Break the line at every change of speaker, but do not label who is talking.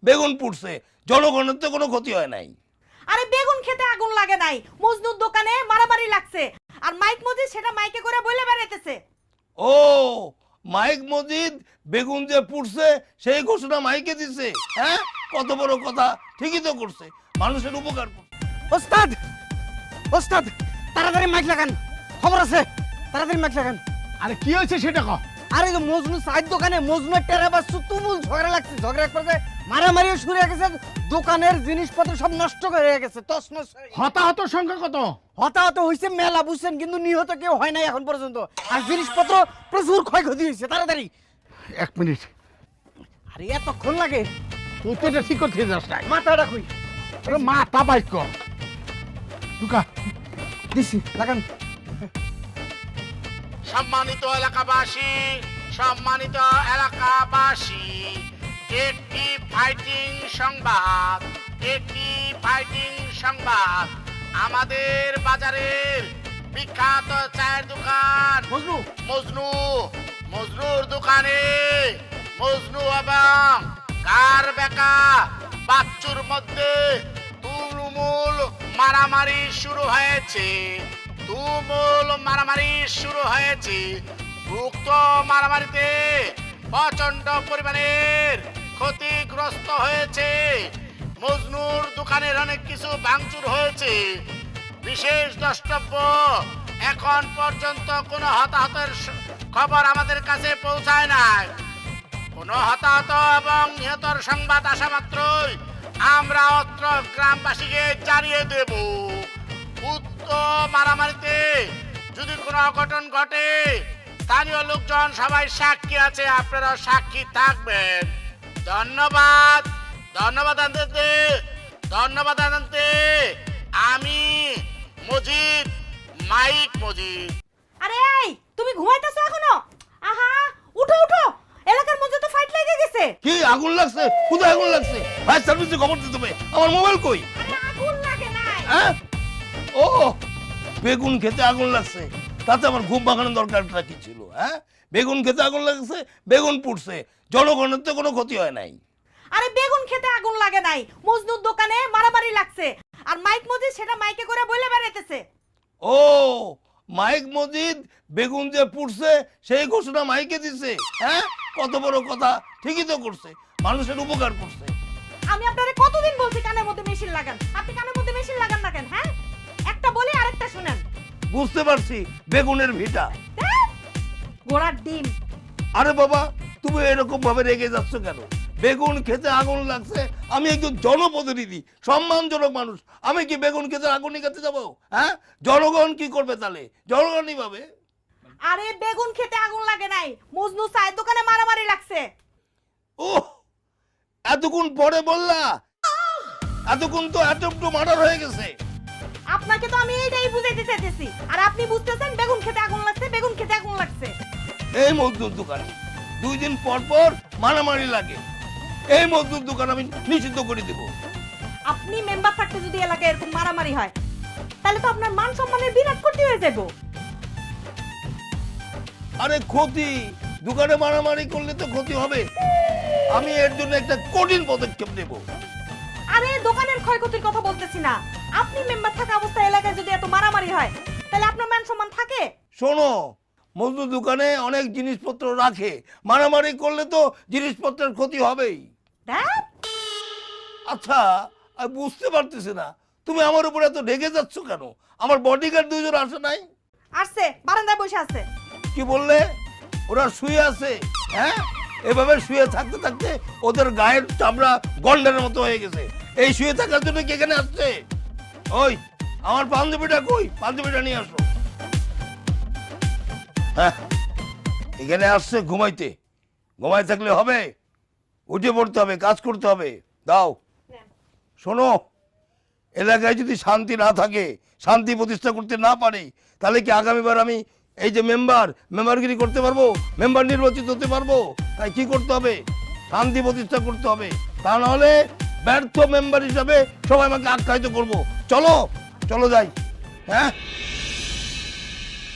বেগুন পুড়ছে, জনগণের তো কোনো ক্ষতি হয় নাই।
আরে বেগুন খেতে আগুন লাগে নাই, মজনুর দোকানে মারামারি লাগছে আর মাইক মজিদ সেটা মাইকে করে বলে বেড়াইতেছে।
ও মাইক মজিদ বেগুন যে পুড়ছে সেই ঘোষণা মাইকে দিছে। হ্যাঁ, কত বড় কথা, ঠিকই তো করছে, মানুষের উপকার করছে।
ওস্তাদ ওস্তাদ তাড়াতাড়ি মাইক লাগান, খবর আছে, তাড়াতাড়ি মাইক লাগান।
আরে কি হয়েছে সেটা কও।
আরে তো মজনু সাইড দোকানে মজনুর টেরা বাসু তুমুল ঝগড়া লাগছে, ঝগড়া করে মারামারিও শুরু হয়ে গেছে, দোকানের জিনিসপত্র সব নষ্ট করে গেছে, তছনছ।
হতাহতর সংখ্যা কত?
হতাহত হয়েছে মেলা বুঝছেন, কিন্তু নিহত কেউ হয় নাই এখন পর্যন্ত, আর জিনিসপত্র প্রচুর ক্ষয়ক্ষতি হয়েছে। তাড়াতাড়ি
1 মিনিট।
আরে এতক্ষণ লাগে?
তুই তো এটা ঠিক করতে যাস না।
মাথাটা কই?
আরে মাথা বাইক কর টুকা
দিছি, লাগান।
সম্মানিত এলাকাবাসী, সম্মানিত এলাকাবাসী, একটি ফাইটিং সংবাদ, একটি ফাইটিং সংবাদ। আমাদের বাজারের বিখ্যাত চায়ের দোকান
মজনু
মজনুর দোকানে মজনু এবং কার বেকা বাচ্চুর মধ্যে তুমুল মারামারি শুরু হয়েছে। উক্ত মারামারিতে প্রচন্ড পরিমাণের ক্ষতিগ্রস্ত হয়েছে। মজনুর দোকানের অনেক কিছু ভাঙচুর হয়েছে। বিশেষ দ্রষ্টব্য, এখন পর্যন্ত কোনো হতাহতের খবর আমাদের কাছে পৌঁছায় নাই। কোনো হতাহত এবং নিহতর সংবাদ আসা মাত্রই আমরা অত্র গ্রামবাসীকে জানিয়ে দেব। উক্ত মারামারিতে যদি কোনো অঘটন ঘটে, স্থানীয় লোকজন সবাই সাক্ষী আছে, আপনারা সাক্ষী থাকবেন। ধন্যবাদ জানাতে আমি মজিদ, মাইক মজিদ।
আরে এই তুমি ঘুমাইতেছো এখনো? আহা উঠো উঠো, এলাকার মধ্যে তো ফাইট লেগে গেছে।
কি আগুন লাগছে? কোথায় আগুন লাগছে? ফায়ার সার্ভিসে খবর দিতে হবে। আমার মোবাইল কই?
আরে আগুন লাগে নাই।
হ্যাঁ, ও বেগুন খেতে আগুন লাগছে, তাতে আমার ঘুম ভাঙানোর দরকারটা কি ছিল? হ্যাঁ, বেগুন খেতে আগুন লাগছে, বেগুন পুড়ছে, জনগণের তো কোনো ক্ষতি হয় নাই।
আরে বেগুন খেতে আগুন লাগে নাই, মজনুর দোকানে মারামারি লাগছে আর মাইক মজিদ সেটা মাইকে করে বলে বেড়াইতেছে।
ও মাইক মজিদ বেগুন যে পুড়ছে সেই ঘোষণা মাইকে দিছে। হ্যাঁ, কত বড় কথা, ঠিকই তো করছে, মানুষের উপকার করছে।
আমি আপনারে কতদিন বলছি কানের মধ্যে মেশিন লাগান, আপনি কানের মধ্যে মেশিন লাগান না কেন? হ্যাঁ, একটা বলি আরেকটা শুনেন।
বুঝতে পারছি, বেগুনের ভিটা।
ঘোড়ার ডিম।
আরে বাবা, তুমি এরকম ভাবে রেগে যাচ্ছ কেন? বেগুন খেতে আগুন লাগছে, আমি একজন জনপ্রতিনিধি, সম্মানজনক মানুষ, আমি কি বেগুন খেতে আগুন নিকাতে যাবো? হ্যাঁ, জনগণ কি করবে তাহলে? জনগণই পাবে।
আরে বেগুন খেতে আগুন লাগে নাই, মজনু চায়ের দোকানে মারামারি লাগছে।
ও এতক্ষণ পরে বললা? এতক্ষণ তো একটু মার্ডার হয়ে গেছে।
আপনাকে তো আমি এইটাই বুঝাইতে চাইতেছি, আর আপনি বুঝতেছেন বেগুন খেতে আগুন লাগছে, বেগুন খেতে আগুন লাগছে।
এই মজদুর দোকানে 2 দিন পর পর মারামারি লাগে, এই মজদুর দোকান আমি নিষিদ্ধ করে দেব।
আপনি মেম্বার থাকতে যদি এলাকায় এরকম মারামারি হয়, তাহলে তো আপনার মান সম্মানের বিরাট ক্ষতি হয়ে যাবে।
আরে ক্ষতি, দোকানে মারামারি করলে তো ক্ষতি হবে, আমি এর জন্য একটা কঠিন পদক্ষেপ নেব।
আরে দোকানের ক্ষয়ক্ষতির কথা বলতেছি না, আপনি মেম্বার থাকা অবস্থায় এলাকায় যদি এত মারামারি হয়, তাহলে আপনার মান সম্মান থাকে?
শোনো, মজদুর দোকানে অনেক জিনিসপত্র রাখে, মারামারি করলে তো জিনিসপত্রের ক্ষতি হবেই। আচ্ছা, আমি বুঝতে পারতেছি না তুমি আমার উপর এত রেগে যাচ্ছ কেন? আমার বডিগার্ড 2 জন আসে নাই?
আসছে, বারান্দায় বসে আছে।
কি বললে? ওরা শুয়ে আছে? হ্যাঁ, এভাবে শুয়ে থাকতে থাকতে ওদের গায়ের চামড়া গন্ডারের মতো হয়ে গেছে। এই শুয়ে থাকার জন্য কি এখানে আসছে? ওই আমার পাঞ্জাবিটা কই? পাঞ্জাবিটা নিয়ে আসো। হ্যাঁ, এখানে আসছে ঘুমাইতে, ঘুমাই থাকলে হবে? উঠে পড়তে হবে, কাজ করতে হবে। দাও। শোনো, এলাকায় যদি শান্তি না থাকে, শান্তি প্রতিষ্ঠা করতে না পারে, তাহলে কি আগামীবার আমি এই যে মেম্বারগিরি করতে পারবো? মেম্বার নির্বাচিত হতে পারবো? তাই কি করতে হবে? শান্তি প্রতিষ্ঠা করতে হবে, তা নাহলে ব্যর্থ মেম্বার হিসাবে সবাই আমাকে আখ্যায়িত করবো। চলো চলো যাই। হ্যাঁ।